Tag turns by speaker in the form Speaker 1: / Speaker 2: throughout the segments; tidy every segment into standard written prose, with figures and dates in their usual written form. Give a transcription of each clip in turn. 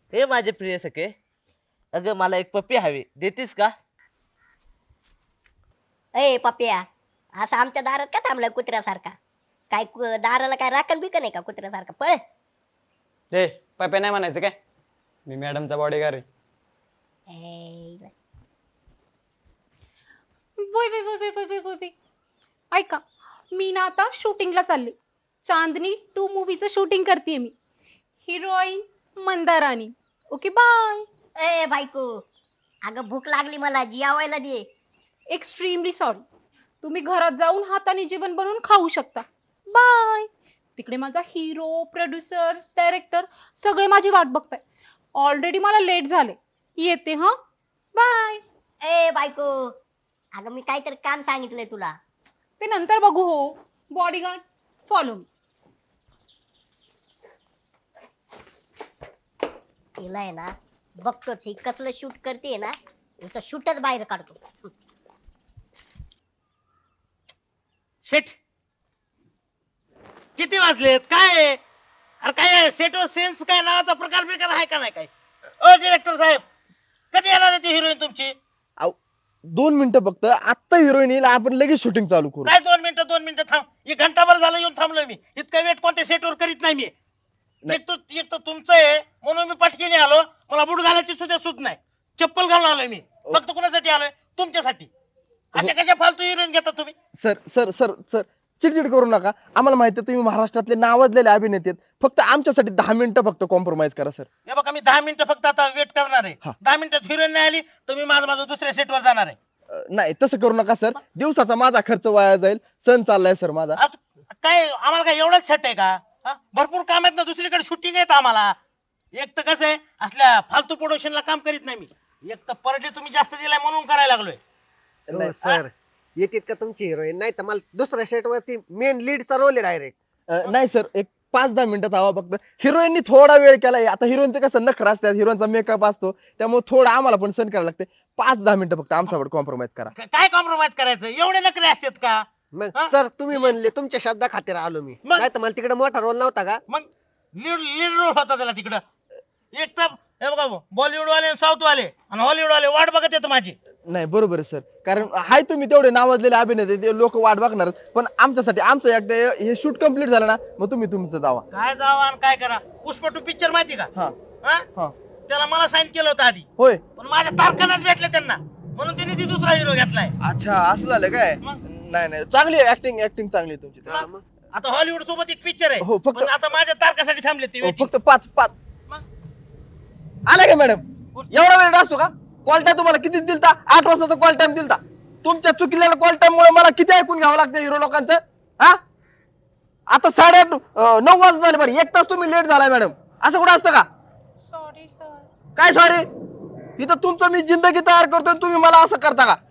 Speaker 1: हे माझे प्रिय सखे, अगं मला एक पप्पी हवी, देतीस का?
Speaker 2: ए पप्प्या, असं आमच्या दारात का थांबलाय कुत्र्यासारखा? काय दाराला काय राखण बिकन आहे का कुत्र्यासारखा? पळ.
Speaker 3: ए पप्या नाही म्हणायचं काय, मी मॅडमचा बॉडीगार्ड आहे.
Speaker 2: ए,
Speaker 4: वय वय वय वय वय वय वय वय. ऐका, मी ना आता शूटिंगला चालले. चांदनी 2 मूवीचं शूटिंग करते मी. हिरोईन मंदारानी. Okay bye.
Speaker 2: ए बायको, अगं भूक लागली मला, जेवायला दे.
Speaker 4: Extremely sorry. तुम्ही घरात जाऊन हाताने जेवण बनवून खाऊ शकता. बाय. तिकडे माझा हिरो, प्रोड्युसर, डायरेक्टर सगळे माझी वाट बघताय. ऑलरेडी मला लेट झाले. येते हा. बाय.
Speaker 2: ए बायको, अगं मी काहीतरी काम सांगितलंय तुला.
Speaker 4: ते नंतर बघू हो. Bodyguard follow me.
Speaker 2: तिला आहे ना, बघतोच ही कसलं शूट करते ना, हिचं शूटच बाहेर काढतो.
Speaker 5: शेट किती वाजलेत? काय आहे? अरे काय सेटवर सेन्स काय नावाचा प्रकार आहे का नाही? काय ओ डिरेक्टर साहेब, कधी येणार आहे ती हिरोईन तुमची?
Speaker 6: 2 मिनिटं फक्त, आत्ता हिरोईन येईल, आपण लगेच शूटिंग चालू करू.
Speaker 5: काय 2 मिनिटं थांब. एक घंटाभर झालं येऊन थांबलोय मी. इतका वेट कोणत्या सेटवर करीत नाही मी. एक तर तुमचं आहे म्हणून मी पटकीने आलो. मला बूट घालायची सुद्धा सूट नाही. चप्पल घालून आलोय मी. फक्त कोणासाठी आलोय? तुमच्यासाठी. अशा कशा फालतू हिरोईन घेता तुम्ही?
Speaker 6: सर सर सर सर चिडचिड करू नका. आम्हाला माहिती आहे तुम्ही महाराष्ट्रातले नावाजलेले अभिनेते आहेत. फक्त आमच्यासाठी 10 मिनिटं फक्त कॉम्प्रोमाइज करा सर.
Speaker 5: हे बघा, मी 10 मिनिटं फक्त आता वेट करणार आहे.
Speaker 6: हा.
Speaker 5: 10 मिनिटात हिरोईन नाही आली तर मी माझं दुसऱ्या सेटवर जाणार आहे.
Speaker 6: नाही तसं करू नका सर, दिवसाचा माझा खर्च वाया जाईल. सण चाललाय सर माझा.
Speaker 5: काय आम्हाला काय एवढंच छट आहे का? हा? भरपूर काम आहेत ना, दुसरीकडे शूटिंग आहेत आम्हाला. एक तर कसं आहे, असल्या फालतू प्रोडक्शनला काम करीत नाही मी. एक तर पर डे तुम्ही जास्त दिलाय म्हणून करायला लागलोय.
Speaker 6: नाही,
Speaker 7: सर येतात का तुमची हिरोईन? नाही तर मला दुसऱ्या सेट वरती मेन लीडचा रोल आहे डायरेक्ट.
Speaker 6: नाही सर, एक 5-10 मिनिटात हवा फक्त. हिरोईननी थोडा वेळ केलाय. आता हिरोईनचं कसं नखर असतात, हिरोईनचा मेकअप असतो, त्यामुळे थोडं आम्हाला पण सहन करायला लागते. 5-10 मिनिटं फक्त आमच्यावर कॉम्प्रोमाइज करा.
Speaker 5: काय कॉम्प्रोमाइज करायचं? एवढे नखरे असतात का?
Speaker 7: मग
Speaker 5: हा?
Speaker 7: सर तुम्ही म्हणले, तुमच्या शब्दा खातीर आलो मी.
Speaker 5: मग?
Speaker 7: नाही तर मला तिकडे मोठा रोल नव्हता का?
Speaker 5: मग लीड रोल होता त्याला तिकडं. एक तर हे बघा, बॉलिवूड वाले, साऊथ वाले आणि हॉलिवूड वाले वाट बघत येत माझी.
Speaker 6: नाही बरोबर आहे सर, कारण हाय तुम्ही तेवढे नावाजलेले अभिनेते, ते लोक वाट बघणार. पण आमच्यासाठी आमचं एकदा हे शूट कम्प्लीट झालं ना, मग तुम्ही तुमचं जावा.
Speaker 5: काय जावा आणि काय करा? पुष्पा 2 पिक्चर माहिती का?
Speaker 6: हा
Speaker 5: हा?
Speaker 6: हा
Speaker 5: त्याला मला साईन केलं होतं आधी,
Speaker 6: होय.
Speaker 5: पण माझ्या तारखानाच भेटले त्यांना, म्हणून त्यांनी ती दुसरा हिरो घेतलाय.
Speaker 6: अच्छा असं झालं काय?
Speaker 5: मग?
Speaker 6: नाही नाही, चांगली ऍक्टिंग चांगली आहे तुमची.
Speaker 7: हा, मग.
Speaker 5: आता हॉलिवूड सोबत एक पिक्चर आहे,
Speaker 6: हो, फक्त-
Speaker 5: पण आता माझ्या तारखासाठी थांबले ते
Speaker 6: हो,
Speaker 5: waiting.
Speaker 6: फक्त 5
Speaker 5: मग?
Speaker 6: आला का मॅडम? एवढा वेळ असतो का? कॉल टाइम तुम्हाला किती दिलता? 8 वाजताचा कॉल टाइम दिलता. तुमच्या चुकलेल्या कॉल टाइम मुळे मला किती ऐकून घ्यावं लागतं हिरो लोकांचं? हा, आता 8:30 9 वाजता झाले. बरं 1 तास तुम्ही लेट झालाय मॅडम. असं कुठं असतं का?
Speaker 4: Sorry sir.
Speaker 6: काय सॉरी? इथं तुमचं मी जिंदगी तयार करतोय, तुम्ही मला असं करता का?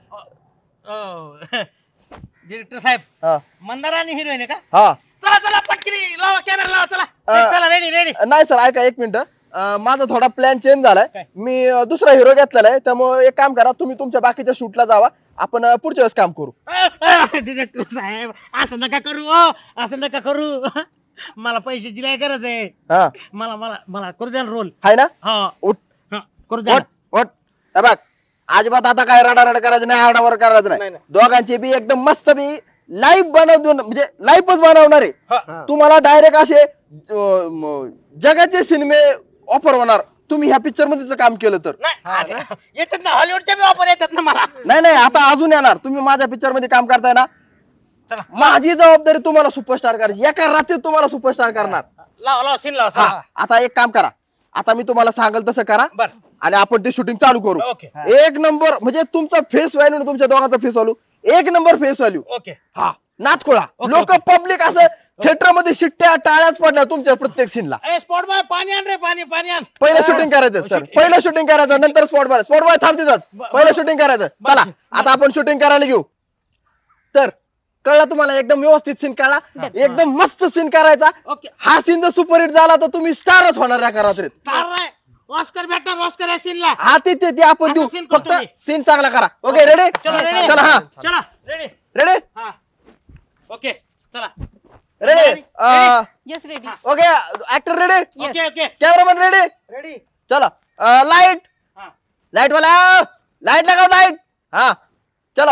Speaker 5: डिरेक्टर साहेब,
Speaker 6: हा
Speaker 5: मंदारा आणि हिरोईन आहे का?
Speaker 6: हा.
Speaker 5: चला चला पटकनी लावा, कॅमेरा लावा, चला चला, रेडी रेडी.
Speaker 6: नाही सर, ऐका 1 मिनिट. माझा थोडा प्लॅन चेंज झालाय.
Speaker 5: काय?
Speaker 6: मी दुसरा हिरो घेतलेला आहे, त्यामुळे एक काम करा, तुम्ही तुमच्या बाकीच्या शूटला जावा. आपण पुढच्या वेळेस काम करू.
Speaker 5: डिरेक्टर साहेब, असं नका करू ओ, असं नका करू. मला पैशाची लय गरज आहे.
Speaker 6: हा
Speaker 5: मला मला मला करू द्या रोल.
Speaker 6: हाय ना?
Speaker 5: हा
Speaker 6: उठ
Speaker 5: हा, करू द्या.
Speaker 6: उठ. हे बघ, अजिबात आता काय रडारड करायचं नाही, आरडावर करायचं
Speaker 5: नाही,
Speaker 6: नाही.
Speaker 5: नाही.
Speaker 6: दोघांची बी एकदम मस्त बी लाईव्ह बनवून, म्हणजे लाईव्हच बनवणार आहे.
Speaker 5: हा.
Speaker 6: तुम्हाला डायरेक्ट असे जगाचे सिनेमे ऑफर होणार, तुम्ही ह्या पिक्चर मध्ये काम केलं तर.
Speaker 5: नाही येतात ना, हॉलिवूडच्या बी ऑफर येतात ना मला.
Speaker 6: नाही नाही, आता अजून येणार. तुम्ही माझ्या पिक्चर मध्ये काम करताय ना,
Speaker 5: चला
Speaker 6: माझी जबाबदारी तुम्हाला सुपरस्टार करायची. एका रात्रीत तुम्हाला सुपरस्टार करणार.
Speaker 5: लावा लावा, सीन लावा.
Speaker 6: हा,
Speaker 5: चला.
Speaker 6: आता एक काम करा, आता मी तुम्हाला सांगेल तसं करा
Speaker 5: बर
Speaker 6: आणि आपण ते शूटिंग चालू करू.
Speaker 5: ओके.
Speaker 6: 1 नंबर, म्हणजे तुमचा फेस व्हॅल्यू आणि तुमच्या दोघांचा face value 1 number face value.
Speaker 5: Okay.
Speaker 6: हा, नाचखोळा.
Speaker 5: ओके,
Speaker 6: लोक
Speaker 5: ओके.
Speaker 6: पब्लिक असं थिएटर मध्ये शिट्ट्या टाळ्याच पडणार तुमच्या प्रत्येक सीनला.
Speaker 5: ए स्पॉट बॉय, पाणी आण रे, पाणी पाणी आण.
Speaker 6: पहिलं शूटिंग करायचं सर,
Speaker 5: shooting.
Speaker 6: पहिलं शूटिंग करायचं, नंतर स्पॉट बॉय थांबतेच. पहिलं शूटिंग करायचं. चला आता आपण शूटिंग करायला घेऊ. तर कळला तुम्हाला? एकदम व्यवस्थित सीन कळला, एकदम मस्त सीन करायचा.
Speaker 5: ओके.
Speaker 6: हा सीन जर सुपरहिट झाला तर तुम्ही स्टारच होणार एका रात्रीत.
Speaker 5: स्टार नाही, ऑस्कर भेटणार, ऑस्कर या सीनला.
Speaker 6: हा ते आपण देऊ,
Speaker 5: आता scene करतो
Speaker 6: फक्त
Speaker 5: मी.
Speaker 6: सीन चांगला करा. Okay ready?
Speaker 5: चला रेडी.
Speaker 6: चला. हा
Speaker 5: चला रेडी.
Speaker 6: रेडी
Speaker 5: हा ओके चला.
Speaker 6: Ready.
Speaker 4: Yes ready.
Speaker 6: Okay actor ready,
Speaker 5: okay okay
Speaker 6: cameraman ready.
Speaker 7: Ready.
Speaker 6: चलो लाइट
Speaker 5: हाँ।
Speaker 6: लाइट वाला लाइट लगाओ लाइट हाँ चलो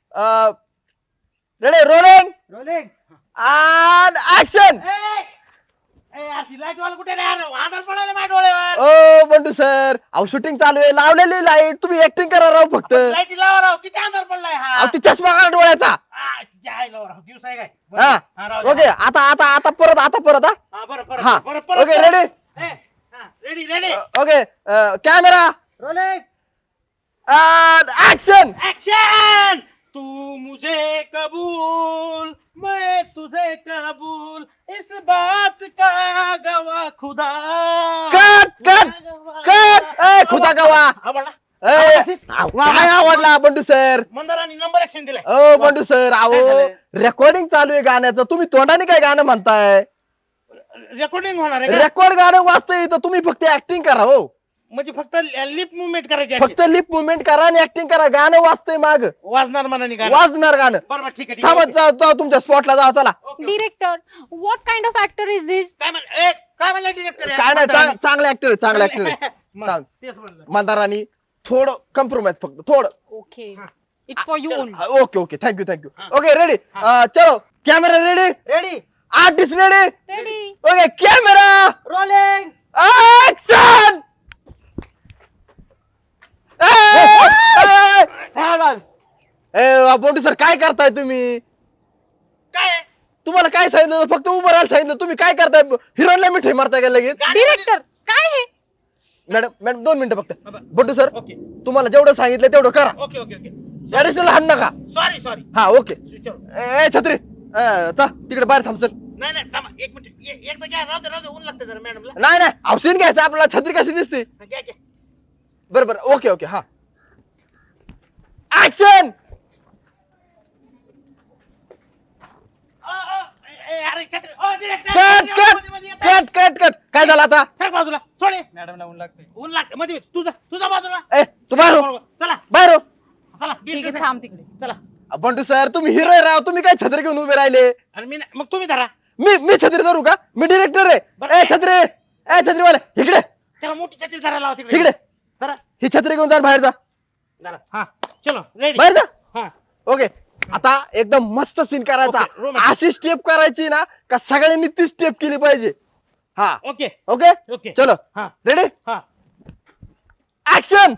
Speaker 6: ready rolling
Speaker 5: rolling
Speaker 6: and action
Speaker 5: यार ती लाईट वाला कुठे नाही यार आधार पडायला माझ्या डोळ्यावर
Speaker 6: ओ बंडू सर अहो शूटिंग चालू आहे लावलेली लाईट तुम्ही ऍक्टिंग करा राव फक्त
Speaker 5: लाईटी लावा राव किती आधार पडलाय हा
Speaker 6: अहो ती चष्मा काढा डोळ्याचा
Speaker 5: जाय लावा राव दिवस आहे काय बरं,
Speaker 6: हा
Speaker 5: हा, राहू दे.
Speaker 6: ओके आता परत हा
Speaker 5: हा बरं
Speaker 6: हा
Speaker 5: परत परत
Speaker 6: okay ready
Speaker 5: ready ready
Speaker 6: okay camera
Speaker 5: rolling
Speaker 6: and action
Speaker 5: action तू मुझे कबूल मैं तुझे कबूल इस बात का गवाह खुदा
Speaker 6: कट ए खुदा गवा
Speaker 5: आवडला
Speaker 6: काय आवडला बंडू सर
Speaker 5: मंदारांनी नंबर ऍक्शन दिलाय
Speaker 6: ओ बंडू सर
Speaker 5: काय
Speaker 6: अहो
Speaker 5: झालंय?
Speaker 6: रेकॉर्डिंग चालू आहे गाण्याचं तुम्ही तोंडाने काय गाणं म्हणताय
Speaker 5: रेकॉर्डिंग होणार आहे का
Speaker 6: रेकॉर्ड गाणं वाजतंय तर तुम्ही फक्त ऍक्टिंग करा हो
Speaker 5: म्हणजे फक्त लिप मुवमेंट करायची अशी.
Speaker 6: फक्त लिप मुवमेंट करा आणि ऍक्टिंग करा गाणं वाजतंय माग
Speaker 5: वाजणार मनाने गाणं.
Speaker 6: वाजणार गाणं
Speaker 5: बरोबर ठीक आहे ठीक
Speaker 6: थांबत
Speaker 5: आहे.
Speaker 6: जा तुमच्या स्पॉटला जा चला
Speaker 5: okay, okay.
Speaker 4: Director what kind of actor is this?
Speaker 5: काय म्हणलं डिरेक्टर
Speaker 6: काय नाही चांगले ऍक्टर आहे चांगले ऍक्टर आहे चांग-
Speaker 5: तेच म्हणलं
Speaker 6: मंदारानी थोडं कम्प्रोमाइज फक्त थोडं
Speaker 4: ओके इट्स फॉर यू
Speaker 5: चल.
Speaker 4: ओनली.
Speaker 6: ओके ओके थँक्यू
Speaker 5: हा.
Speaker 6: ओके रेडी चलो camera ready
Speaker 5: ready
Speaker 6: artist ready
Speaker 4: ready.
Speaker 6: Okay camera
Speaker 5: rolling
Speaker 6: action Bondu sir काय करताय तुम्ही
Speaker 5: काय
Speaker 6: तुम्हाला काय सांगितलं होतं? फक्त उभं राहायला सांगितलं तुम्ही काय करताय हिरोईनला मिठाई मारताय का लगेच
Speaker 4: डिरेक्टर काय हे?
Speaker 6: मॅडम 2 मिनिटं फक्त बंडू सर
Speaker 5: ओके
Speaker 6: तुम्हाला जेवढं सांगितलं तेवढं करा
Speaker 5: ओके ओके ओके
Speaker 6: ऍडिशनल हाण नका
Speaker 5: सॉरी सॉरी
Speaker 6: हा ओके ए छत्री चा तिकडे बाहेर थांब चल
Speaker 5: नाही नाही थांबा एक मिनिट एकदा घ्या राहू दे ऊन लागतं जरा मॅडमला
Speaker 6: नाही नाही औषध घ्यायचं आपल्याला छत्री कशी दिसते
Speaker 5: घ्या घ्या
Speaker 6: बरोबर ओके ओके हा ऍक्शन
Speaker 5: अरे छत्री ओ डिरेक्टर
Speaker 6: कट काय झालं आता
Speaker 5: सर बाजूला सोडे
Speaker 3: मॅडमला ऊन लागते
Speaker 5: ऊन लागतं मध्ये तुझा बाजूला
Speaker 6: ए तू बाहेर हो
Speaker 5: चला
Speaker 6: बाहेर हो
Speaker 5: चला
Speaker 4: ठीक आहे थांब तिकडे.
Speaker 5: चला
Speaker 6: बंडू सर तुम्ही हिरो राव तुम्ही काय छत्री घेऊन उभे राहिले
Speaker 5: आणि मी मग तुम्ही धरा
Speaker 6: मी छत्री धरू का मी डिरेक्टर
Speaker 5: बरं.
Speaker 6: आहे ए छत्रीवाले इकडे
Speaker 5: त्याला मोठी छत्री धरायला लावा तिकडे
Speaker 6: इकडे
Speaker 5: धरा
Speaker 6: ही छत्री घेऊन जा आणि बाहेर जा
Speaker 5: धरा हा चलो रेडी
Speaker 6: बाहेर जा
Speaker 5: हा
Speaker 6: ओके आता एकदम मस्त सीन करायचा
Speaker 5: ओके, romantic.
Speaker 6: अशी स्टेप करायची ना का सगळ्यांनी ती स्टेप केली पाहिजे हा
Speaker 5: ओके
Speaker 6: ओके
Speaker 5: ओके
Speaker 6: चलो
Speaker 5: हा
Speaker 6: रेडी
Speaker 5: हा
Speaker 6: ऍक्शन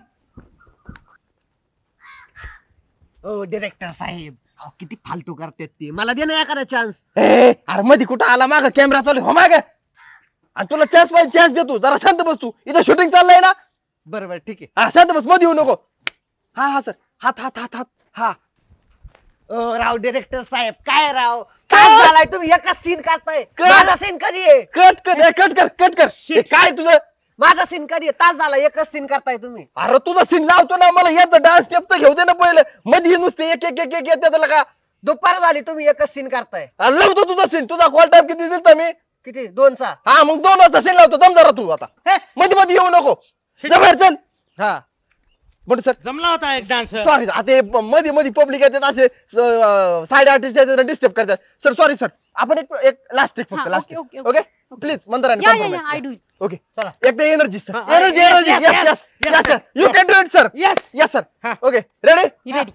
Speaker 7: ओ डिरेक्टर साहेब अहो, किती फालतू करतात ते मला दे ना एखादा चान्स
Speaker 6: अरे मध्ये कुठं आला माग कॅमेरा चालू हो माग आणि तुला चान्स पाहिजे चान्स देतो जरा शांत बस तू इथं शूटिंग चाललंय ना
Speaker 7: बरोबर ठीक आहे
Speaker 6: हा शांत बस मध्ये येऊ नको हा सर हात हा
Speaker 7: ओ राव डिरेक्टर साहेब काय राव काय झालाय तुम्ही एकच सीन करताय माझा सीन कधी आहे
Speaker 6: कट कर हे काय तुझं
Speaker 7: माझा सीन कधी आहे तास झाला एकच सीन करताय तुम्ही
Speaker 6: अरे तुझा सीन लावतो ना मला याचा डान्स स्टेप तर घेऊ दे ना पहिले मध्ये नुसते एक येते त्याला का
Speaker 7: दुपार झाली तुम्ही एकच सीन करताय
Speaker 6: अरे लावतो तुझा सीन तुझा कॉल टाइम किती दिलता मी
Speaker 7: किती 2चा
Speaker 6: हा मग 2 वाजता सीन लावतो दम जरा तू आता मध्ये येऊ नको जा बाहेर चल हा बंडू सर
Speaker 5: जमला होता एक डान्स
Speaker 6: सॉरी आता मध्ये पब्लिक येतात असे साइड आर्टिस्ट येतात डिस्टर्ब करतात सर सॉरी सर आपण एक लास्ट एक फक्त
Speaker 4: हा,
Speaker 6: लास्ट
Speaker 4: ओके,
Speaker 6: ओके प्लीज मंदाराने
Speaker 4: या आय डू इट.
Speaker 6: ओके
Speaker 5: चला.
Speaker 6: एकदा एनर्जी सर
Speaker 5: हा,
Speaker 6: energy
Speaker 5: yes,
Speaker 6: energy
Speaker 5: yes,
Speaker 6: yes
Speaker 5: yes,
Speaker 6: yes
Speaker 5: yes,
Speaker 6: you can do it sir
Speaker 5: yes
Speaker 6: yes sir
Speaker 5: हा.
Speaker 6: Okay ready
Speaker 4: ready.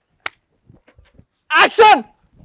Speaker 6: ऍक्शन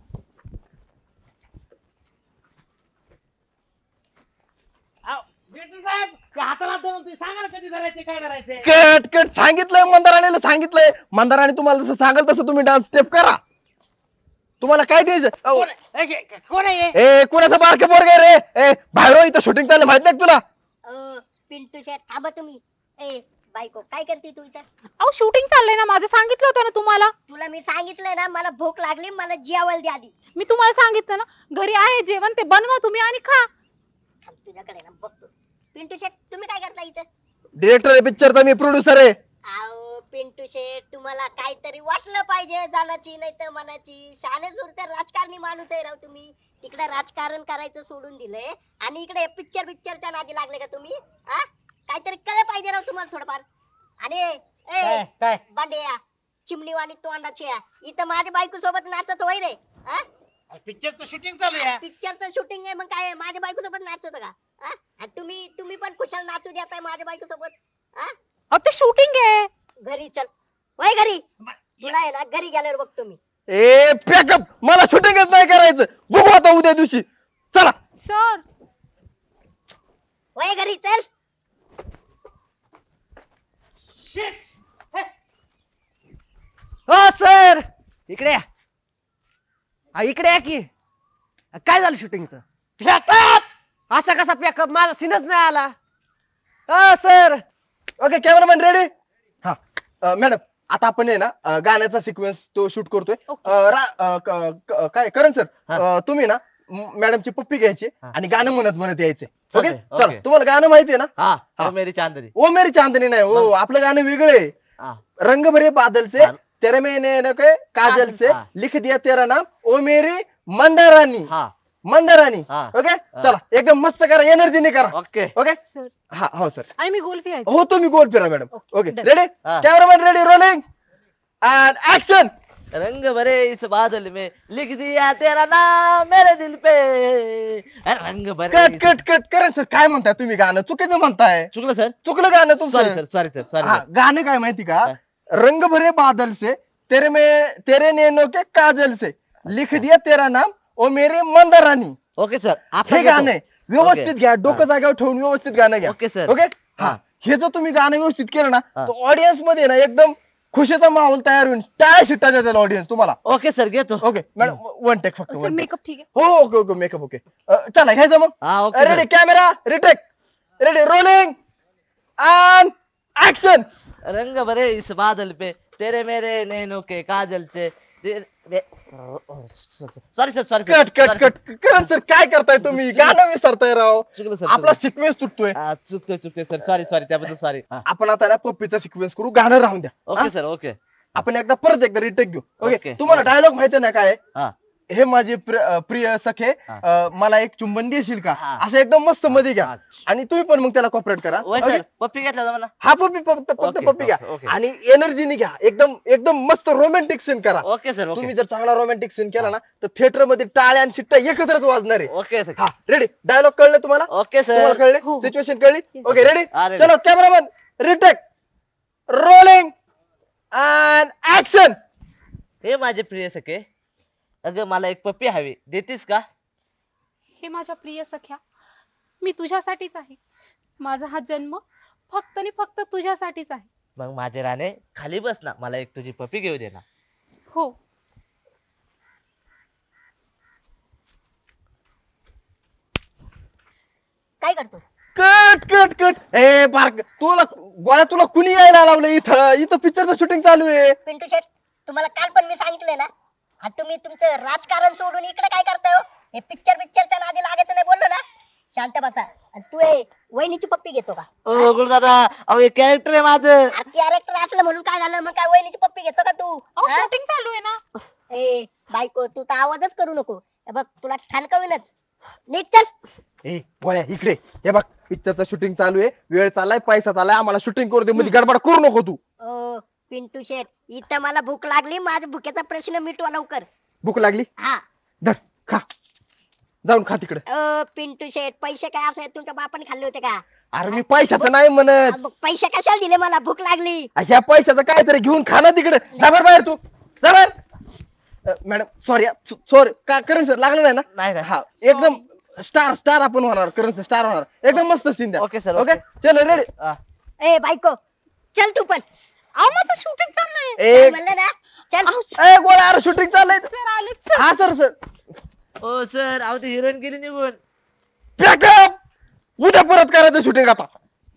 Speaker 5: साहेब ते हाताला धरून तुम्ही सांगा ना कधी धरायचे काय धरायचे
Speaker 6: कट सांगितलंय मंदाराणीला सांगितलंय मंदाराणी तुम्हाला जसं सांगाल तसं तुम्ही डान्स स्टेप करा तुम्हाला काय द्यायचं अहो,
Speaker 5: कोण आहे? कोण आहे हे?
Speaker 6: ए कुणाचं बारके पोरग रे ए बाहेर हो, इथं शूटिंग चाललं माहित नाही का तुला
Speaker 2: पिंटू शेट थांबा तुम्ही ए बायको काय करते तू इथं
Speaker 4: अहो शूटिंग चाललंय ना माझं सांगितलं होतं ना तुम्हाला.
Speaker 2: तुला मी सांगितलंय ना मला भूक लागली मला जेवायला द्या आधी
Speaker 4: मी तुम्हाला सांगितलं ना घरी आहे जेवण ते बनवा तुम्ही आणि खा.
Speaker 2: थांब, तुझ्याकडे ना बघतो पिंटू शेट तुम्ही काय करता इथं
Speaker 6: डिरेक्टर आहे पिक्चरचा मी प्रोड्युसर आहे
Speaker 2: अहो पिंटू शेट तुम्हाला काहीतरी वाटलं पाहिजे जाण्याची नाही तर मनाची शाने तर राजकारणी माणूस आहे राव तुम्ही तिकडे राजकारण करायचं सोडून दिलंय आणि इकडे पिक्चरच्या नादी लागले का तुम्ही हा काहीतरी कळलं पाहिजे राव तुम्हाला थोडंफार आणि ए
Speaker 5: काय
Speaker 2: बांड्या चिमणीवाणी तोंडाची इथं माझ्या बायको सोबत नाचत होय रे
Speaker 5: पिक्चरचं शूटिंग चालू आहे
Speaker 2: पिक्चरचं शूटिंग आहे मग काय माझ्या बायको सोबत नाचत का हा? आणि तुम्ही पण कुशाल नाचू देताय माझ्या बायको सोबत. हा?
Speaker 4: अहो ते शूटिंग आहे.
Speaker 2: घरी चल. वय घरी. तुला आहे ना घरी गेल्यावर बघतो मी.
Speaker 6: ए पॅकअप, मला शूटिंगच नाही करायचं. बघू आता उद्या दिवशी. चला.
Speaker 4: सर
Speaker 2: वय घरी चल.
Speaker 7: हो सर, इकडे या. हा, इकडे या की. काय झालं शूटिंगचं? असा कसा पॅकअप, माझा सीनच नाही आला. हो सर.
Speaker 6: Okay cameraman ready. हा मॅडम, आता आपण आहे ना गाण्याचा सिक्वेन्स तो शूट करतोय. काय करण सर, तुम्ही ना मॅडमची पप्पी घ्यायची आणि गाणं म्हणत म्हणत यायचे. ओके
Speaker 1: Okay,
Speaker 6: चला.
Speaker 1: okay.
Speaker 6: तुम्हाला गाणं माहिती आहे ना?
Speaker 1: हा
Speaker 6: हा.
Speaker 1: ओ मेरी चांदनी.
Speaker 6: ओ मेरी चांदनी नाही हो, आपलं गाणं वेगळं आहे.
Speaker 1: हा.
Speaker 6: रंग भरे बादल से
Speaker 1: हा.
Speaker 6: तेरे मैंने न के काजल से
Speaker 1: हा.
Speaker 6: लिख दिया तेरा नाम ओ मेरी मंदारानी.
Speaker 1: हा
Speaker 6: मंदारानी.
Speaker 1: हा.
Speaker 6: ओके चला, एकदम मस्त करा, एनर्जीने करा.
Speaker 1: ओके.
Speaker 6: ओके
Speaker 4: सर
Speaker 6: हा हो सर.
Speaker 4: आणि मी गोल फिरायचं.
Speaker 6: हो तुम्ही गोल फिरा madam.
Speaker 4: Okay,
Speaker 6: okay
Speaker 4: done.
Speaker 6: Ready.
Speaker 1: हा.
Speaker 6: Cameraman ready, rolling and action.
Speaker 1: रंग भरे इस बादल में लिख दिया तेरा नाम मेरे दिल पे. रंग भरे
Speaker 6: कट कट कट करा सर. काय म्हणताय तुम्ही, गाणं चुकीचं म्हणताय.
Speaker 1: चुकलं सर.
Speaker 6: चुकलं गाणं
Speaker 1: सॉरी
Speaker 6: तुमचं.
Speaker 1: सर, सॉरी सर, सॉरी
Speaker 6: हा,
Speaker 1: सर.
Speaker 6: गाणं काय माहिती का?
Speaker 1: काय?
Speaker 6: रंग भरे बादल से तेरे नैनों के काजल से लिख दिया तेरा नाम ओ मेरी मंदारानी.
Speaker 1: Okay sir.
Speaker 6: हे गाणं आहे. व्यवस्थित
Speaker 1: ओके.
Speaker 6: घ्या, डोकं जागेवर ठेवून व्यवस्थित गाणं घ्या.
Speaker 1: Okay sir.
Speaker 6: ओके हा.
Speaker 1: हा.
Speaker 6: हे जर तुम्ही गाणं व्यवस्थित केलं ना,
Speaker 1: हा.
Speaker 6: तर ऑडियन्स मध्ये ना एकदम खुशीचा माहोल तयार होईल. टाळ्या शिट्टा देतील ऑडियन्स तुम्हाला.
Speaker 1: ओके सर, घेतो.
Speaker 6: ओके मॅडम, वन टेक फक्त.
Speaker 4: Sir
Speaker 6: one take.
Speaker 4: मेकअप ठीक आहे.
Speaker 6: हो ओके ओके मेकअप ओके. चला घ्यायचं मग.
Speaker 1: हा okay
Speaker 6: ready
Speaker 1: sir.
Speaker 6: Camera retake. Ready rolling and action.
Speaker 1: रंग भरे इस बादल पे तेरे मेरे नैनों के काजल से. Sorry sir, sorry
Speaker 6: cut cut cut. Karan sir काय करताय तुम्ही, गाणं विसरताय राव.
Speaker 1: चुकलं सर.
Speaker 6: आपला सिक्वेन्स तुटतोय.
Speaker 1: चुकतोय सर, सॉरी सॉरी, त्याबद्दल सॉरी.
Speaker 6: आपण आता ना पप्पीचा सिक्वेन्स करू, गाणं राहून द्या.
Speaker 1: ओके
Speaker 6: हा?
Speaker 1: सर. ओके.
Speaker 6: आपण एकदा परत एकदा रिटेक घेऊ. Okay
Speaker 1: okay.
Speaker 6: तुम्हाला डायलॉग माहिती ना काय आहे?
Speaker 1: हा
Speaker 6: हे माझे प्रिय सखे,
Speaker 1: हा.
Speaker 6: मला एक चुंबन देशील का,
Speaker 1: हा.
Speaker 6: असं एकदम मस्त मध्ये घ्या.
Speaker 1: हा.
Speaker 6: आणि तुम्ही पण मग त्याला कॉपरेट करा.
Speaker 1: वय
Speaker 6: ओके?
Speaker 1: सर, पप्पी घेतला मला.
Speaker 6: हा पप्पी फक्त
Speaker 1: ओके,
Speaker 6: पप्पी घ्या.
Speaker 1: ओके.
Speaker 6: आणि एनर्जीने घ्या, एकदम एकदम मस्त रोमॅन्टिक सीन करा.
Speaker 1: Okay sir.
Speaker 6: तुम्ही
Speaker 1: ओके.
Speaker 6: जर चांगला रोमॅन्टिक सीन केला ना, तर थिएटर मध्ये टाळ्या आणि शिट्ट्या एकत्रच वाजणार आहे.
Speaker 1: Okay sir.
Speaker 6: हा रेडी. डायलॉग कळले तुम्हाला?
Speaker 1: ओके
Speaker 6: तुम्हाला
Speaker 1: सर.
Speaker 6: कळले?
Speaker 4: हो.
Speaker 6: सिच्युएशन कळली?
Speaker 4: Yes.
Speaker 6: Okay ready.
Speaker 1: हा, ready.
Speaker 6: चलो cameraman retake rolling and action.
Speaker 1: हे माझे प्रिय सखे, अगं मला एक पप्पी हवी, देतीस का?
Speaker 4: हे माझ्या प्रिय सख्या, मी तुझ्यासाठीच आहे. माझा हा जन्म फक्त आणि फक्त तुझ्यासाठीच आहे.
Speaker 1: मग माझे राणे खाली बस ना, मला एक तुझी पप्पी घेऊ दे ना.
Speaker 4: हो.
Speaker 2: काय करतो?
Speaker 6: Cut cut cut. ए बारक, तुला गोळ्या, तुला कुणी यायला लावलं इथं? इथं पिक्चरचं शूटिंग चालू आहे.
Speaker 2: पिंटू शेट, तुम्हाला काल पण मी सांगितलंय ना, आणि तुम्ही तुमचं राजकारण सोडून इकडे काय करताय हो? हे पिक्चरच्या नादी लागायचं नाही बोललो ना. शांत बसा. आणि तू हे वहिनीची पप्पी घेतो का?
Speaker 1: ओ गुरुदादा, अहो हे कॅरेक्टर आहे माझं.
Speaker 2: कॅरेक्टर असलं म्हणून काय झालं, मग काय वहिनीची पप्पी घेतो का तू?
Speaker 4: अहो
Speaker 2: हा?
Speaker 4: शूटिंग चालू आहे ना.
Speaker 2: ए बायको, तू तर आवाजच करू नको. हे बघ तुला ठाणकवीनच. निघ चल.
Speaker 6: ए गोळ्या इकडे. हे बघ पिक्चरचं शूटिंग चालू आहे, वेळ चाललाय, पैसा चाललाय, आम्हाला शूटिंग करू दे. मध्ये गडबड करू नको तू.
Speaker 2: ओ पिंटू शेट, इथं मला भूक लागली, माझ्या भुकेचा प्रश्न मिटवा लवकर.
Speaker 6: भूक लागली?
Speaker 2: हा.
Speaker 6: धर खा, जाऊन खा तिकडे.
Speaker 2: पिंटू शेट, पैसे काय असे तुमच्या बापाने खाल्ले होते का?
Speaker 6: अरे मी पैशाचं नाही म्हणत,
Speaker 2: मग पैसे कशाला दिले मला? भूक लागली.
Speaker 6: ह्या पैशाचं काहीतरी घेऊन खा ना तिकडे. जा बाहेर तू, जा बाहेर. Madam sorry sorry. का करण सर लागलं नाही ना?
Speaker 1: नाही नाही.
Speaker 6: हा एकदम स्टार आपण होणार. करण सर स्टार होणार. एकदम मस्त सीन द्या.
Speaker 1: Okay sir,
Speaker 6: okay
Speaker 1: okay.
Speaker 6: चलो रेडी.
Speaker 1: हा.
Speaker 2: ए बायको, चल तू पण.
Speaker 4: अहो माझं शूटिंग चाललंय.
Speaker 2: काय म्हणलं ना? चल.
Speaker 6: ए गोळ्या, अरे शूटिंग चाललंय.
Speaker 4: सर आलेच सर.
Speaker 6: हा सर सर.
Speaker 1: ओ सर, अहो ती हिरोईन गेली निघून.
Speaker 6: पॅकअप. उद्या परत करायचं शूटिंग आता.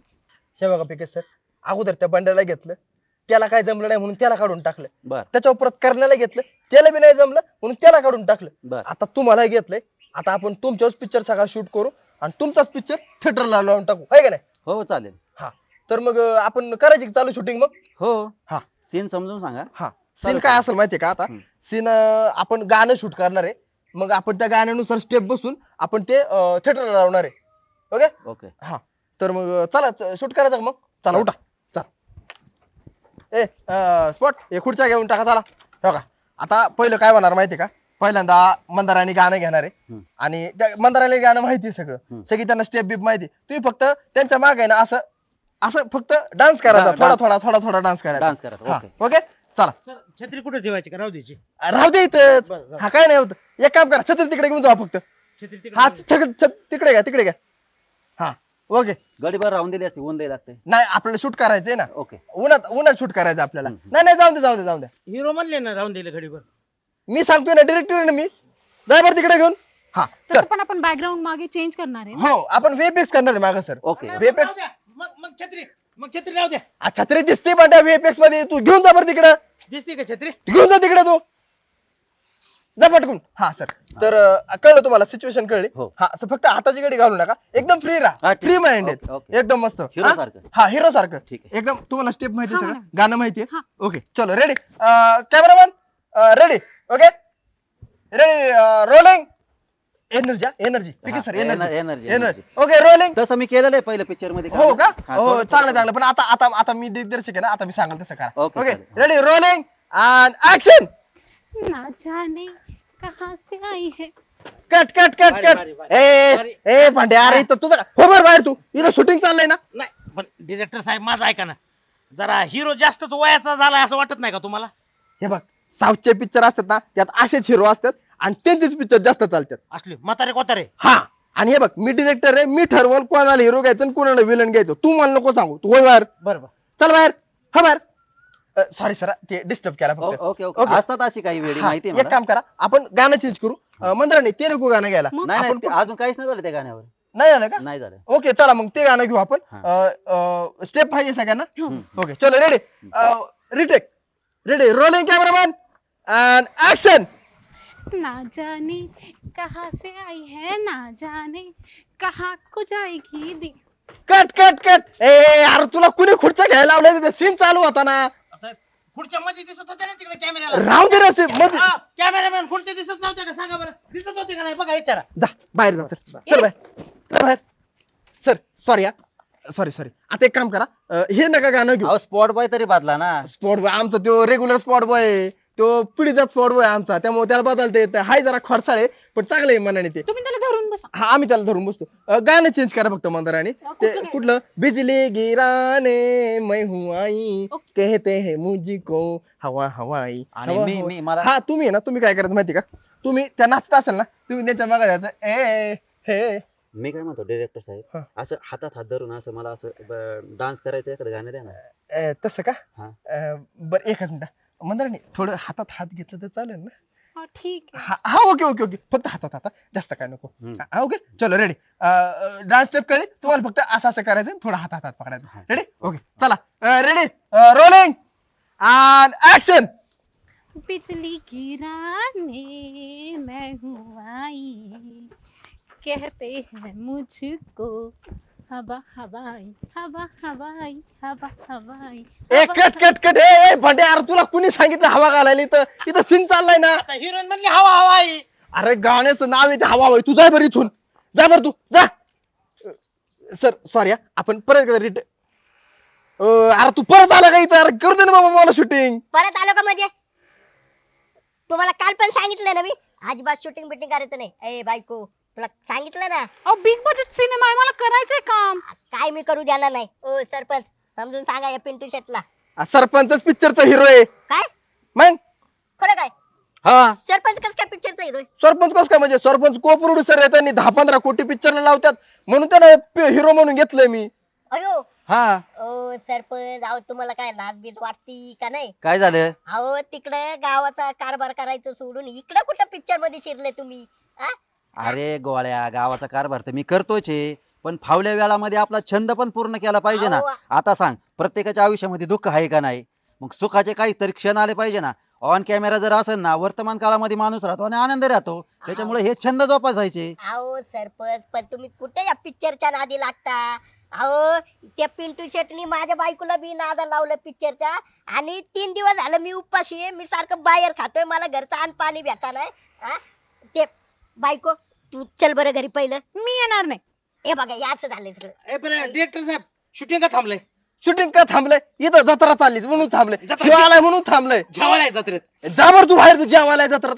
Speaker 6: हे बघा पिके सर, अगोदर त्या बंड्याला घेतलं, त्याला काय जमलं नाही म्हणून त्याला काढून टाकलं.
Speaker 1: बर
Speaker 6: त्याच्यावर परत करण्याला घेतलं, त्याला बी नाही जमलं म्हणून त्याला काढून टाकलं.
Speaker 1: बर.
Speaker 6: आता तुम्हाला घेतलंय, आता आपण तुमच्याच पिक्चर सगळा शूट करू आणि तुमचाच पिक्चर थिएटरला लावून टाकू, आहे का नाही?
Speaker 8: हो चालेल.
Speaker 6: हा तर मग आपण करायची का चालू शूटिंग मग?
Speaker 8: हो.
Speaker 6: हा.
Speaker 8: सीन समजून सांगा.
Speaker 6: हा सीन काय असेल माहितीये का? आता सीन आपण गाणं शूट करणार आहे, मग आपण त्या गाण्यानुसार स्टेप बसून आपण ते थिएटरला लावणार आहे. Okay
Speaker 8: okay.
Speaker 6: हा तर मग चला शूट करायचं का मग? चला उठा. चल ए स्पॉट हे खुर्च्या घेऊन टाका. चला हो का. आता पहिलं काय होणार माहितीये का? पहिल्यांदा मंदाराने गाणं घेणार आहे
Speaker 3: हम्म.
Speaker 6: आणि त्या मंदाराला गाणं माहिती आहे सगळं
Speaker 3: हम्म.
Speaker 6: सगळी त्यांना स्टेप बीप माहिती आहे. तुम्ही फक्त त्यांच्या मागे ना असं असं फक्त डान्स करायचा
Speaker 3: डा-
Speaker 6: थोडा
Speaker 3: डान्स.
Speaker 6: थोडा थोडा थोडा डान्स करायचा
Speaker 3: डान्स करायचा,
Speaker 6: हा,
Speaker 3: ओके.
Speaker 6: ओके चला
Speaker 5: सर छत्री कुठे ठेवायची का राहू द्यायची
Speaker 6: राहू दे इथंच
Speaker 5: बरं, बरं.
Speaker 6: हा काय नाही होत एक काम करा छत्री तिकडे घेऊन जाऊ फक्त
Speaker 5: छत्री तिकडे
Speaker 6: हा
Speaker 5: ठेवली.
Speaker 6: तिकडे घ्या तिकडे घ्या हा ओके
Speaker 3: गडीभर राहून दिली असते ऊन द्यायला लागते.
Speaker 6: नाही आपल्याला शूट करायचंय ना
Speaker 3: ओके.
Speaker 6: उन्हात शूट करायचं आपल्याला
Speaker 3: हम्म.
Speaker 6: नाही नाही जाऊ दे
Speaker 5: हिरो म्हणले ना राहून दिले घडीभर
Speaker 6: मी सांगतोय ना डिरेक्टर ना मी जाय बरं तिकडे घेऊन हा
Speaker 4: तसं
Speaker 6: चल
Speaker 4: पण आपण बॅकग्राऊंड मागे चेंज करणार आहे ना.
Speaker 6: हो आपण व्हीएफएक्स करणार आहे मागं सर
Speaker 3: ओके.
Speaker 5: नाही,
Speaker 6: VFX.
Speaker 5: राहू द्या. मग छत्री राहू द्या
Speaker 6: छत्री दिसते पण त्या व्हीएफएक्स मध्ये तू घेऊन जा बरं तिकडं
Speaker 5: दिसते का छत्री
Speaker 6: घेऊन जा तिकडे तू जा पटकून हा सर तर कळलं तुम्हाला सिच्युएशन कळली
Speaker 3: हो.
Speaker 6: हा असं फक्त हाताची गडी घालू नका एकदम फ्री
Speaker 3: हा,
Speaker 6: राहा
Speaker 3: ठीक.
Speaker 6: Free mind
Speaker 3: okay, okay.
Speaker 6: एकदम मस्त
Speaker 3: Hero
Speaker 6: हा?
Speaker 3: सारखं.
Speaker 6: हा हिरो सारखं
Speaker 3: ठीक आहे.
Speaker 6: एकदम तुम्हाला स्टेप माहिती
Speaker 4: हा,
Speaker 6: सगळं
Speaker 4: मॅडम.
Speaker 6: गाणं माहितीये
Speaker 4: हा.
Speaker 6: ओके चलो ready cameraman ready okay ready rolling energy
Speaker 3: हा,
Speaker 6: sir
Speaker 3: energy.
Speaker 6: Energy okay rolling
Speaker 3: तसं मी केलेलं आहे पहिल्या पिक्चर मध्ये.
Speaker 6: हो का
Speaker 3: हा,
Speaker 6: हो
Speaker 3: थोडं-
Speaker 6: चांगलं पण आता मी दिग्दर्शक आहे ना आता मी सांगेल तसं करा
Speaker 3: ओके,
Speaker 6: ओके
Speaker 3: चालेल.
Speaker 6: रेडी रोलिंग अँड ऍक्शन
Speaker 4: ना जाने कहां से आई है.
Speaker 6: कट
Speaker 5: भारी.
Speaker 6: ए भांड्या अरे इथं तुझं हो बरं बाहेर तू इथं शूटिंग चाललंय ना
Speaker 5: नाही पण डिरेक्टर साहेब माझं ऐका ना जरा हिरो जास्तच वयाचा झालाय असं वाटत नाही का तुम्हाला
Speaker 6: हे बघ साऊथचे पिक्चर असतात ना त्यात असेच हिरो असतात आणि त्यांचेच पिक्चर जास्त चालतात
Speaker 5: असले म्हातारे कोतारे
Speaker 6: हा आणि हे बघ मी डिरेक्टर आहे मी ठरवल कोणाला हिरो घ्यायचं आणि कोणाला विलन घ्यायचं तू मला नको सांगू तू होय बाहेर
Speaker 5: बरोबर
Speaker 6: चल बाहेर हा बाहेर सॉरी सर ते डिस्टर्ब केला फक्त
Speaker 3: ओके ओके असतात अशी काही वेळी
Speaker 6: हा,
Speaker 3: माहिती आहे
Speaker 6: एक
Speaker 3: मला.
Speaker 6: काम करा आपण गाणं चेंज करू मंदिराने ते नको गाणं घ्यायला
Speaker 4: मग?
Speaker 3: नाही
Speaker 6: आपण
Speaker 3: नाही ते अजून काहीच नाही झालं त्या गाण्यावर.
Speaker 6: नाही झालं का
Speaker 3: नाही झालं.
Speaker 6: ओके चला मग ते गाणं घेऊ आपण
Speaker 3: हा.
Speaker 6: स्टेप पाहिजे सगळ्यांना
Speaker 3: हम्म.
Speaker 6: ओके चलो ready retake ready rolling cameraman and action
Speaker 4: ना जाने कहां से आई है ना जाने कहां को जाएगी दी.
Speaker 6: कट ए अरे तुला कुणी खुर्च्या घ्यायला लावलं सीन चालू होता ना
Speaker 5: आता पुढच्या मध्ये दिसत होते ना तिकडे कॅमेऱ्याला
Speaker 6: राहू दे ना scene मध्ये
Speaker 5: कॅमेरामॅन पुढचे दिसत नव्हते का सांगा बरं दिसत होते का नाही बघा विचारा
Speaker 6: जा बाहेर जा चल बाहेर सर सॉरी सॉरी आता एक काम करा हे नका गाणं घेऊ
Speaker 3: अहो स्पॉट बॉय तरी बादला ना.
Speaker 6: स्पॉट बॉय आमचा तो रेग्युलर स्पॉट बॉय तो पिढीचा स्पॉट बॉय आमचा त्यामुळे त्याला बदलता येत हाय जरा खडसाळे पण चांगलं आहे मनाने ते
Speaker 4: तुम्ही त्याला धरून बसा.
Speaker 6: हा आम्ही त्याला धरून बसतो गाणं चेंज करा फक्त मंदाराने ते
Speaker 4: कुठलं काय?
Speaker 6: कुठलं बिजली गिराने मैं हूँ आई
Speaker 4: ओके.
Speaker 6: कहते हैं मुझको हवा हवाई
Speaker 3: आणि
Speaker 6: हवा
Speaker 3: मी-
Speaker 6: हवाई.
Speaker 3: मी- मला-
Speaker 6: हा तुम्ही आहे ना तुम्ही काय करायचं माहिती का तुम्ही त्या नाचत असेल ना तुम्ही त्यांच्या मागे जायचं ए हे
Speaker 3: मी काय म्हणतो डिरेक्टर
Speaker 6: हा.
Speaker 3: साहेब असं हातात हात धरून असं मला असं डान्स करायचं एखादं गाणं द्या ना.
Speaker 6: तसं का
Speaker 3: हा.
Speaker 6: बरं एकच मिनिट मंदाराने थोडं हातात हात घेतलं तर चालेल ना
Speaker 4: हा ठीक आहे.
Speaker 6: हा ओके फक्त हातात जास्त काय नको
Speaker 3: हम्म.
Speaker 6: हा ओके चलो रेडी डान्स स्टेप कळली तुम्हाला फक्त असं करायचं थोडं हातात हात
Speaker 3: हा.
Speaker 6: पकडायचं रेडी ओके चला रेडी रोलिंग अँड ऍक्शन
Speaker 4: बिजली गिराने मैं हूँ आई कहते हैं मुझको हवा हवाई हवा हवाई हवा हवाई.
Speaker 6: ए कट ए भांडे अरे तुला कुणी सांगितलं हवा घालायला इथं सीन चाललाय ना
Speaker 5: आता हिरोईन म्हणली हवा हवा आहे
Speaker 6: अरे गाण्याचं नाव आहे ते हवा हवाई तू जाय बरं इथून जा बरं तू जा सर सॉरी आपण परत रिट अरे तू परत आला का इथं अरे करू दे ना बाबा मला शूटिंग
Speaker 2: परत आलो का म्हणजे तुम्हाला काल पण सांगितलं ना मी अजिबात शूटिंग बिटिंग करायचं नाही ए बायको तुला सांगितलं ना
Speaker 4: अहो बिग बजेट सिनेमा आहे मला करायचंय काम.
Speaker 2: काय मी करू देणार नाही ओ सरपंच समजून सांगा या पिंटू शेटला
Speaker 6: सरपंचच पिक्चरचा हिरो आहे
Speaker 2: काय
Speaker 6: मग
Speaker 2: खरं काय
Speaker 6: हा
Speaker 2: सरपंच कस काय पिक्चरचा हिरो
Speaker 6: सरपंच कस काय म्हणजे सरपंच को प्रोड्युसर आहे त्यांनी 10-15 कोटी पिक्चरला लावतात म्हणून त्याला हिरो म्हणून घेतलंय मी
Speaker 2: अयो
Speaker 3: हा
Speaker 2: ओ सरपंच अहो तुम्हाला काय लाज बीज वाटती का नाही
Speaker 3: काय झालं.
Speaker 2: अहो तिकडे गावाचा कारभार करायचं सोडून इकडे कुठं पिक्चर मध्ये शिरले तुम्ही आ?
Speaker 3: अरे गोळ्या गावाचा कारभार तर मी करतोच आहे पण फावल्या वेळामध्ये आपला छंद पण पूर्ण केला पाहिजे ना.
Speaker 2: अहो.
Speaker 3: आता सांग प्रत्येकाच्या आयुष्यामध्ये दुःख आहे का नाही मग सुखाचे काहीतरी क्षण आले पाहिजे ना. ऑन कॅमेरा जर असेल ना वर्तमान काळामध्ये माणूस राहतो आणि आनंदी राहतो त्याच्यामुळे हे छंद जोपासायचे.
Speaker 2: अहो सरपंच पण तुम्ही कुठे या पिक्चरच्या नादी लागता अहो त्या पिंटू शेटनी माझ्या बायकोला बी नादा लावलं पिक्चरच्या आणि 3 दिवस झालं मी उपाशी आहे मी सारखं बाहेर खातोय मला घरचं अन्न पाणी भेटा नाही ते बायको तू चल बरं घरी पहिलं
Speaker 4: मी येणार नाही.
Speaker 2: हे बघा हे असं झालंय सगळं
Speaker 5: ए पण डिरेक्टर साहेब शूटिंग का थांबलंय
Speaker 6: शूटिंग का थांबलंय इथं जत्रा चाललीच म्हणून थांबलंय
Speaker 5: जत्रा-
Speaker 6: शिव आलाय म्हणून थांबलंय
Speaker 5: जेवायला आहे जत्रेत
Speaker 6: जा बरं तू बाहेर तू जेवायला जत्रात का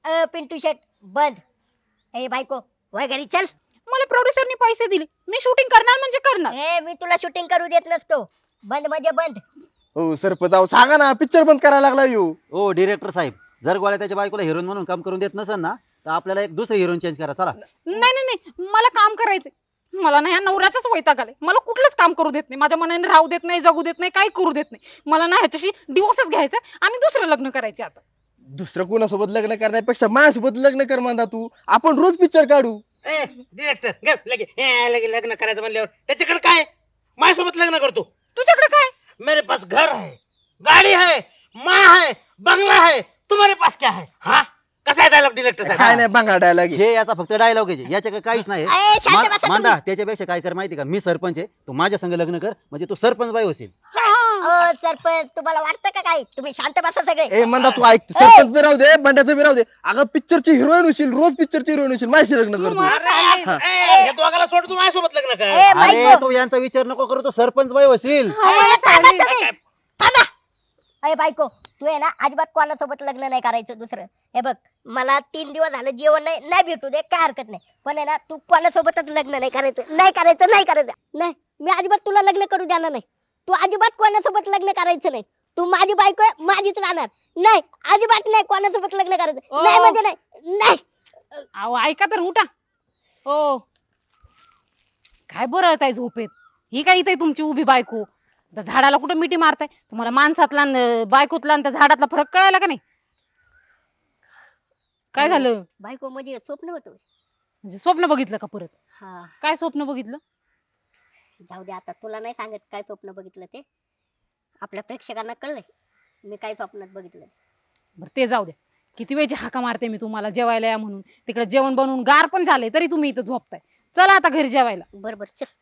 Speaker 2: पिंटू शेट बंद. ए बायको वय घरी चल.
Speaker 4: मला प्रोड्युसरनी पैसे दिले, मी शूटिंग करणार म्हणजे करणार.
Speaker 2: ए मी तुला शूटिंग करू देत नसतो. बंद म्हणजे बंद.
Speaker 6: हो सरपंच अहो सांगा ना पिक्चर बंद करायला लागला यो.
Speaker 3: ओ डिरेक्टर साहेब, जर गोळ्या त्याच्या बायकोला हिरोईन म्हणून काम करून देत नसेल ना, तर आपल्याला एक दुसरी हिरोईन चेंज करा. चला.
Speaker 4: नाही नाही नाही, मला काम करायचंय. मला ना ह्या नवऱ्याचाच वैताग आलाय. मला कुठलंच काम करू देत नाही, माझ्या मनाने राहू देत नाही, जगू देत नाही, काही करू देत नाही. मला ना ह्याच्याशी डिवोर्सच घ्यायचा आणि दुसरं लग्न करायचे आता.
Speaker 6: दुसरं कोणासोबत लग्न करण्यापेक्षा माझ्यासोबत लग्न कर म्हणता तू. आपण रोज पिक्चर काढू.
Speaker 5: ए डिरेक्टर लगे लग्न करायचं म्हणल्यावर त्याच्याकडे काय माझ्यासोबत लग्न करतो.
Speaker 4: तुझ्याकडे काय?
Speaker 5: मेरे पास घर है, गाड़ी है, माँ है, बंगला है, तुम्हारे पास क्या है? हाँ कसा आहे डायलॉग डिरेक्टर
Speaker 6: काय
Speaker 5: साहेब?
Speaker 6: नाही बंगा डायलॉग.
Speaker 3: हे याचा फक्त डायलॉग आहे, याच्या काहीच नाही.
Speaker 2: ए, शांत बसा
Speaker 3: मांदा
Speaker 2: तुम्ही.
Speaker 3: त्याच्यापेक्षा काय कर माहिती का, मी सरपंच आहे, तू माझ्या संग लग्न कर, म्हणजे तू सरपंच बाई होशील.
Speaker 2: सरपंच तुम्हाला वाटतं का काय? तुम्ही शांत बसा सगळे.
Speaker 6: ए म्हणता तू ऐक, सरपंच बी राहू दे बंड्याचं बी राहू दे. अगं पिक्चरची हिरोईन होशील, रोज पिक्चरची हिरोईन होशील, माझ्याशी लग्न करतो.
Speaker 5: अरे हे दोघाला सोड, तू माझ्यासोबत लग्न कर.
Speaker 2: ए
Speaker 3: अरे
Speaker 2: बायको
Speaker 3: तू यांचा विचार नको करू, तू सरपंच बाई होशील.
Speaker 2: ए, थांबा तुम्ही. थांबा. अय बायको तू आहे ना अजिबात कोणासोबत लग्न नाही करायचं दुसरं. हे बघ मला 3 दिवस झालं जेवण नाही भेटू दे काय हरकत नाही, पण आहे ना तू कोणासोबतच लग्न नाही करायचं. नाही मी अजिबात तुला लग्न करू देणार नाही. तू अजिबात कोणासोबत लग्न करायचं नाही. तू माझी बायको आहे, माझीच राहणार. नाही अजिबात नाही कोणासोबत लग्न करायचं. नाही म्हणजे नाही.
Speaker 4: अहो ऐका तर उठा. हो काय बरळताय झोपेत? ही काय इथे तुमची उभी बायको? त्या झाडाला कुठं मिठी मारताय? तुम्हाला माणसातला न बायकोतला आणि त्या झाडातला फरक कळायला का नाही? काय झालं?
Speaker 2: बायको म्हणजे स्वप्न होतं.
Speaker 4: म्हणजे स्वप्न बघितलं का परत?
Speaker 2: हा
Speaker 4: काय स्वप्न बघितलं?
Speaker 2: जाऊ दे आता तुला नाही सांगत काय स्वप्न बघितलं ते. आपल्या प्रेक्षकांना कळलंय मी काय स्वप्नात बघितलं.
Speaker 4: बरं ते जाऊ द्या. किती वेळची हाका मारते मी तुम्हाला जेवायला या म्हणून. तिकडे जेवण बनवून गार पण झाले तरी तुम्ही इथं झोपताय. चला आता घरी जेवायला.
Speaker 2: बरोबर चल.